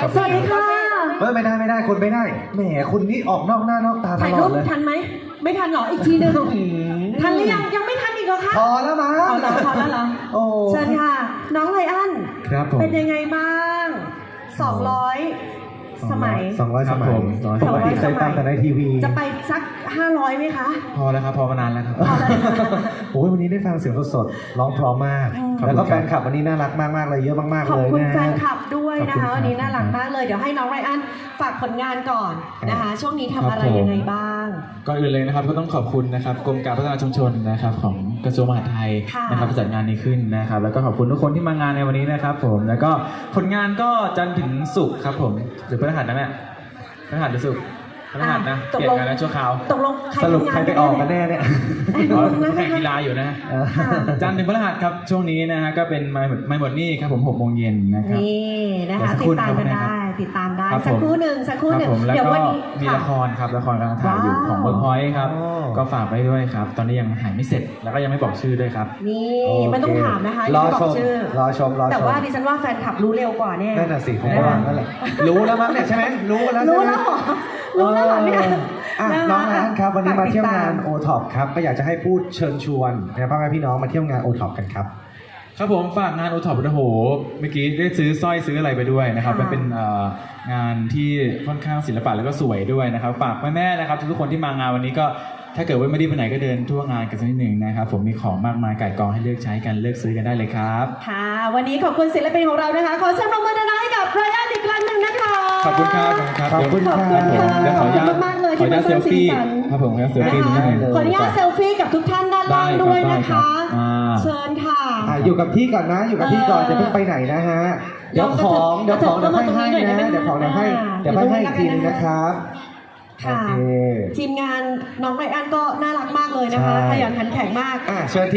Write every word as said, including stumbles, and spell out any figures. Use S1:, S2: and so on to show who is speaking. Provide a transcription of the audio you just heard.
S1: สวัสดีค่ะ
S2: เฮ้ยไม่ได้ไม่ได้คนไม่ได้แหมคุณนี่ออกนอกหน้านอกตาต
S1: ถ่าย
S2: ล
S1: รู
S2: อ
S1: ป
S2: ดเลย
S1: ทันไหมไม่ทันหรออีกทีหนึงทันหรือยังยังไม่ทันอีกเหรอคะ
S2: พอแล้วมั้ง
S1: เอาเหรอพอแล้วเหรอ
S2: โอ้
S1: เชิญค่ะ น้องไลอ้อน
S2: ครับผม
S1: เป็นยังไงบ้างสองร้อยสมัย
S2: สองร้อยสมัย
S1: สองร้อย
S2: ปกติเคยฟังแต่ในทีวี
S1: จะไปสักห้าร้อยไหมคะ
S3: พอแล้วครับพอมานานแล้วครับ
S1: พอแล้ว
S2: โอ้ยวันนี้ได้ฟังเสียงสดๆร้องเพราะมาก
S1: อืม
S2: แล้วก็แฟนคลับวันนี้น่ารักมากๆเลยเยอะมากๆ
S1: ขอบ
S2: เลย
S1: คุณ
S2: นะ
S1: แฟนคลับด้วยนะ
S2: ขอบคุณครับ
S1: คะวันนี้น่ารักมากเลยเดี๋ยวให้น้องไรอันฝากผลงานก่อนนะคะ ช่วงนี้ทำอะไร
S3: ครับผม
S1: ยังไงบ้าง
S3: ก่อนอื่นเลยนะครับก็ต้องขอบคุณนะครับกรมการพัฒนาชุมชนนะครับของกระทรวงมหาดไทย
S1: ค่ะ
S3: นะครับที่จัดงานนี้ขึ้นนะครับแล้วก็ขอบคุณทุกคนที่มางานในวันนี้นะครับผมแล้วก็ผลงานก็จันทร์ถึงศุกร์ครับผมหรือพฤหัสนะแม่พฤหัสหรือศุกร์พฤหัสนะ
S1: ตก
S3: เปลี่ย
S1: ล
S3: น
S1: ง
S3: งานนะชั่วคราว
S1: ตกลงใคร
S2: สรุป
S1: ทำงาน
S2: ใครไปออกกันแน่เนี่ย
S3: อ๋อ
S1: นะ
S3: แข่งกีฬาอยู่นะ
S2: เออ
S1: ค่ะ
S3: จันทร์ถึงพฤหัสครับช่วงนี้นะฮะก็เป็นไม่หมดไม่หมดนี่ครับผมหกโมงเย็นนะครับ
S1: นี่นะคะ
S3: เดี๋ยวสักค
S1: ติ
S3: รู่
S1: ดตามกัน
S3: นะครับ
S1: ได้ติดตามได้
S3: ครับ
S1: สัก
S3: ผม
S1: ครู่หนึ่งสักครู่
S3: ครั
S1: ห
S3: บ
S1: นึ่ง
S3: ผมแล้ว
S1: เดี๋ยว
S3: ก็
S1: วันนี้
S3: มี
S1: ค่ะ
S3: ละครครับละครกำลังถ่ายอยู่
S1: ว้าว
S3: ของเวิร์กพอยต์ครับ
S2: โอ้
S3: ก็ฝากไว้ด้วยครับ ตอนนี้ยังถ่ายไม่เสร็จแล้วก็ยังไม่บอกชื่อด้วยครับ
S1: นี่
S2: โอเค
S1: ไม่ต้องถามนะคะ
S2: รอ
S1: ยังไม่บ
S2: ช
S1: อก
S2: ม
S1: ชื่อ
S2: รอชมรอชม
S1: แต่ว่าดิฉันว่าแฟนคลับรู้เร็วกว่าแน่
S2: นั่นน่ะสิผมก็ว่านั่นแหละรู้แล้วมั้งเนี่ยใช่ไหมรู้กันแล้ว
S1: รู้
S2: ใช่ไหม
S1: แล้วเหรอรู้แล้วเหรอเนี่ย
S2: อ่ะ
S1: ะ
S2: น้องนันครับวันนี้มาเที่ยวงาน
S1: ฝกติดต
S2: โอท็อปครับก็อยากจะให้พูดเชิญชวนนะพ่อแม่พี่น้องมาเที่ยวงานโอท็อปกันครับ
S3: ครับผมฝากงานโอท็อปโอ้โหเมื่อกี้ได้ซื้อสร้อยซื้ออะไรไปด้วยนะครับ
S1: ค่ะ
S3: มันเป็นเอ่องานที่ค่อนข้างศิลปะแล้วก็สวยด้วยนะครับฝากแม่ๆนะครับทุกๆคนที่มางานวันนี้ก็ถ้าเกิดว่าไม่ได้ไปไหนก็เดินทั่วงานกันสักนิดหนึ่งนะครับผมมีของมากมายก่ายกองให้เลือกใช้กันเลือกซื้อกันได้เลยครับ
S1: ค่ะ วันนี้ขอบคุณศิลปินของเรานะคะ ขอเสียงปรบมือดังๆให้กับไรอันอีกครั้งหนึ่งนะคะ
S3: ขอบคุณครับขอบคุณครับ
S2: ขอบคุณ
S3: เดี๋ยว
S2: ค่ะ
S3: เดี๋ยวขออนุญาต
S1: ขอบคุณมากๆเลย
S3: ขออนุญาต
S1: ที่
S3: เซ
S1: มาสร้าง
S3: ลฟี่
S1: สีสัน
S3: ครับผมขออนุญาตเซล
S1: นะ
S3: ฟี่
S1: คะ
S3: นิดนึง
S1: ขออนุญาตเซลฟี่กับทุกท่านด้านล่าง
S3: ได้ครับ
S1: ด้วย
S3: ได้
S1: นะ
S3: ครั
S1: คะ
S3: บอ่า
S1: เชิญค่ะ
S2: อ่ะอยู่กับพี่ก่อนนะอยู่กับพี่ก่อน
S1: เออ
S2: จะเพิ่งไปไหนนะฮะเดี๋ยวของเดี๋ยวของเดี๋ยวให้ให้นะเดี๋ยวของเดี๋ยวให้เดี๋ยวให้ให้อีกทีนึงนะครับโอ
S1: ค่ะ
S2: เค
S1: ทีมงานน้องไรอันก็น่ารักมากเลยนะคะ
S2: ใช่
S1: ขยันขันแข็งมาก
S2: อ่ะเชิญ